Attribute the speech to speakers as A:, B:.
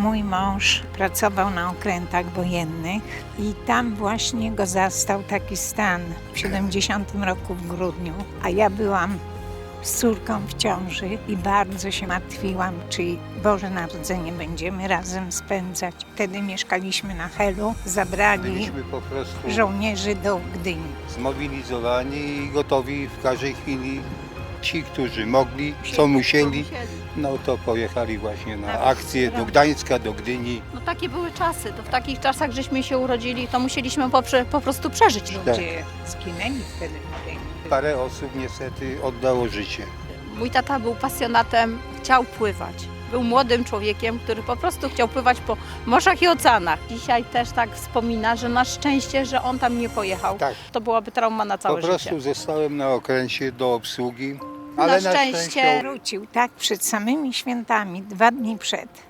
A: Mój mąż pracował na okrętach wojennych i tam właśnie go zastał taki stan w 70 roku w grudniu, a ja byłam z córką w ciąży i bardzo się martwiłam, czy Boże Narodzenie będziemy razem spędzać. Wtedy mieszkaliśmy na Helu, zabrali
B: Byliśmy po prostu
A: żołnierzy do Gdyni.
B: zmobilizowani i gotowi w każdej chwili. Ci, którzy mogli, co musieli, no to pojechali właśnie na akcję do Gdańska, do Gdyni.
C: No takie były czasy, to w takich czasach żeśmy się urodzili, to musieliśmy po prostu przeżyć.
A: Ludzie zginęli wtedy w wojnie.
B: Parę osób niestety oddało życie.
C: Mój tata był pasjonatem, chciał pływać. Był młodym człowiekiem, który po prostu chciał pływać po morzach i oceanach. Dzisiaj też tak wspomina, że na szczęście, że on tam nie pojechał.
B: Tak.
C: To byłaby trauma na
B: Po
C: całe
B: prostu
C: życie.
B: zostałem na okręcie do obsługi, ale na
C: szczęście
B: szczęście
A: Wrócił tak przed samymi świętami, 2 dni przed.